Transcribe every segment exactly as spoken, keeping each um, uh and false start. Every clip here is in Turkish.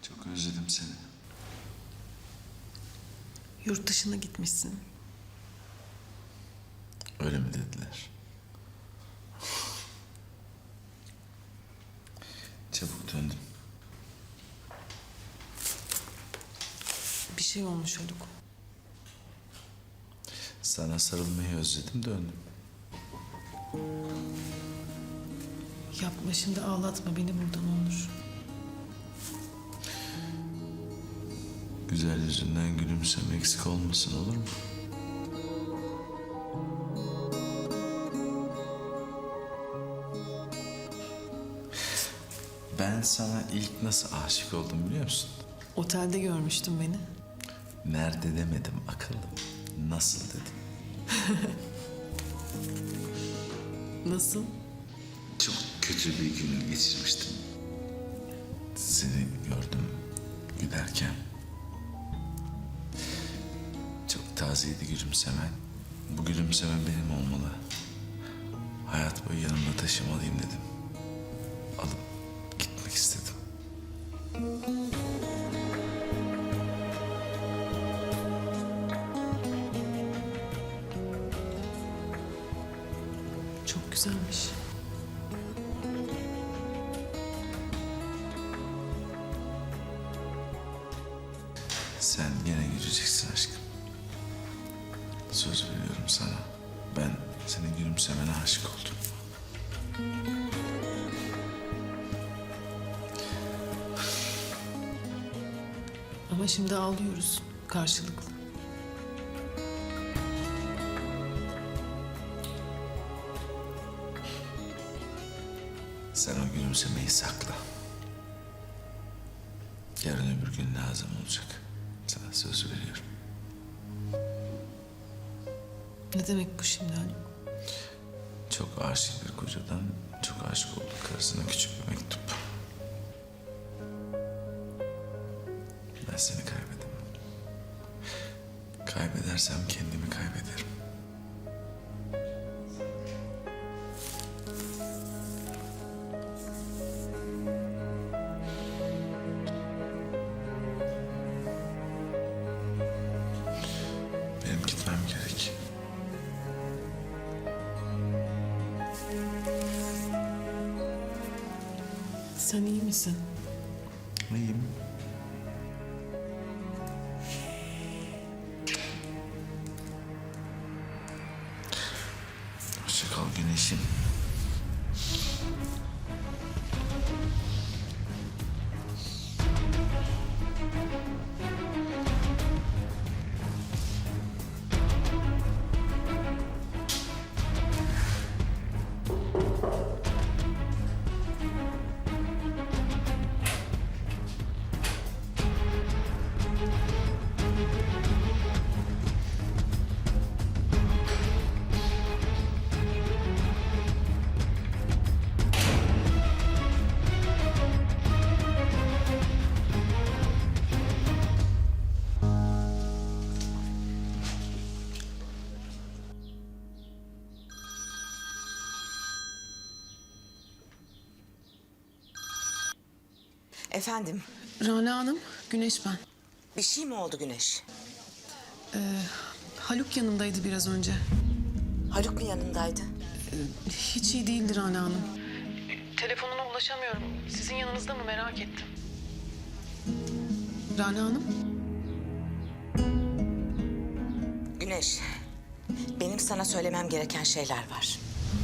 Çok özledim seni. Yurt dışına gitmişsin. Öyle mi dediler? Çabuk döndüm. Bir şey olmuş Haluk. Sana sarılmayı özledim, döndüm. Yapma şimdi, ağlatma beni buradan Onur. Güzel yüzünden gülümsem eksik olmasın, olur mu? Ben sana ilk nasıl aşık oldum biliyor musun? Otelde görmüştün beni. Nerede demedim akıllım. Nasıl dedim. Nasıl? Çok kötü bir gün geçirmiştim. Seni gördüm giderken. Çok tazeydi gülümsemen. Bu gülümseme benim olmalı. Hayat boyu yanımda taşımalıyım dedim. Alıp gitmek istedim. Çok güzelmiş. Sen gene güleceksin aşkım. Söz veriyorum sana. Ben senin gülümsemene aşık oldum. Ama şimdi ağlıyoruz karşılıklı. Sen o gülümsemeyi sakla. Yarın öbür gün lazım olacak. Sana söz veriyorum. Ne demek bu şimdi Haluk? Çok aşık bir kocadan çok aşık olduk karısına küçük bir mektup. Ben seni kaybedemem. Kaybedersem kendimi kaybederim. Benim gitmem gerek. Sen iyi misin? İyiyim. Hoşça kal güneşim. Efendim, Rana Hanım, Güneş ben. bir şey mi oldu Güneş? Haluk yanımdaydı biraz önce. Haluk mu yanındaydı? Hiç iyi değildi Rana Hanım. Telefonuna ulaşamıyorum. Sizin yanınızda mı merak ettim. Rana Hanım? Güneş, benim sana söylemem gereken şeyler var.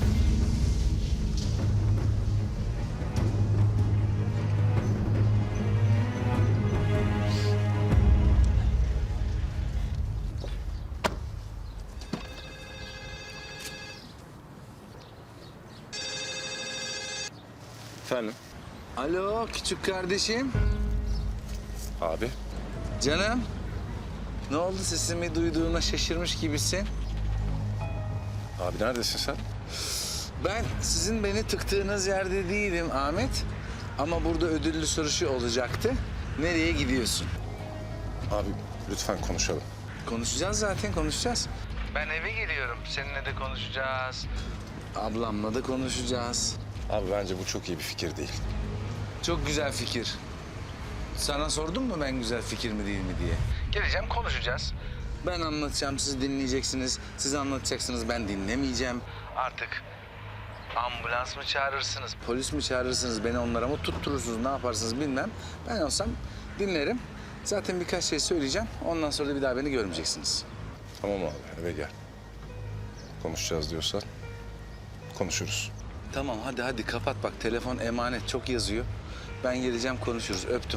Efendim? Alo küçük kardeşim. Abi. Canım. Ne oldu sesimi duyduğuna şaşırmış gibisin. Abi neredesin sen? Ben sizin beni tıktığınız yerde değilim Ahmet. Ama burada ödüllü soruşu olacaktı. Nereye gidiyorsun? Abi lütfen konuşalım. Konuşacağız zaten konuşacağız. Ben eve geliyorum. Seninle de konuşacağız. Ablamla da konuşacağız. Abi bence bu çok iyi bir fikir değil. Çok güzel fikir. Sana sordum mu ben güzel fikir mi değil mi diye? Geleceğim, konuşacağız. Ben anlatacağım, siz dinleyeceksiniz. Siz anlatacaksınız, ben dinlemeyeceğim. Artık ambulans mı çağırırsınız, polis mi çağırırsınız, beni onlara mı tutturursunuz, ne yaparsınız bilmem. Ben olsam dinlerim. Zaten birkaç şey söyleyeceğim. Ondan sonra da bir daha beni görmeyeceksiniz. Tamam abi eve gel. Konuşacağız diyorsan konuşuruz. Tamam, hadi hadi kapat bak. Telefon emanet, çok yazıyor. Ben geleceğim, konuşuruz. Öptüm.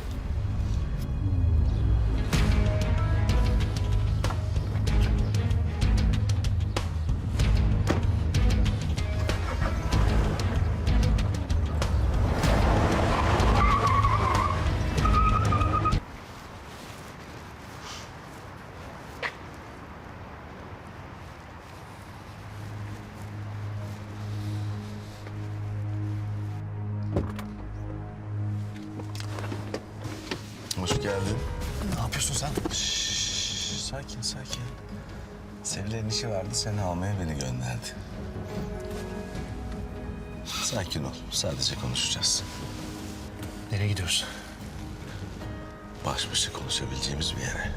Hoş geldin. Ne yapıyorsun sen? Şşş, sakin sakin. Sevilay'ın işi vardı, seni almaya beni gönderdi. Sakin ol, sadece konuşacağız. Nereye gidiyoruz? Baş başa konuşabileceğimiz bir yere.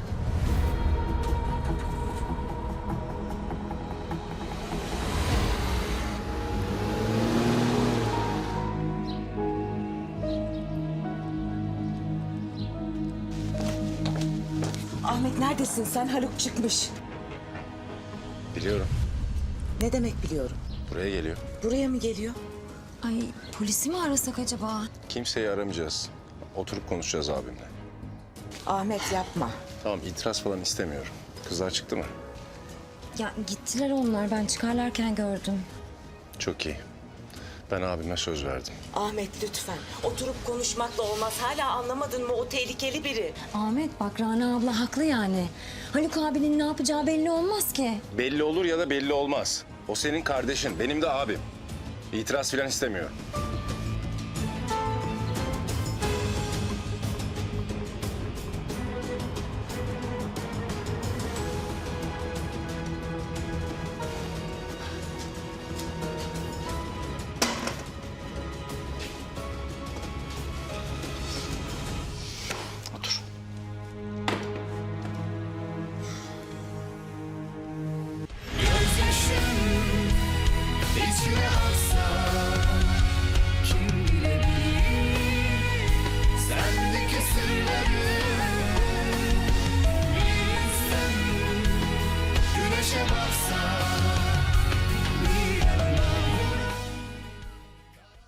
Ahmet neredesin sen? Haluk çıkmış. Biliyorum. Ne demek biliyorum? Buraya geliyor. Buraya mı geliyor? Ay polisi mi arasak acaba? Kimseyi aramayacağız. Oturup konuşacağız abimle. Ahmet yapma. Tamam itiraz falan istemiyorum. Kızlar çıktı mı? Ya gittiler onlar, ben çıkarlarken gördüm. Çok iyi. Ben abime söz verdim. Ahmet lütfen. Oturup konuşmakla olmaz. Hala anlamadın mı? O tehlikeli biri. Ahmet bak, Rana abla haklı yani. Haluk abinin ne yapacağı belli olmaz ki. Belli olur ya da belli olmaz. O senin kardeşin, benim de abim. İtiraz falan istemiyorum.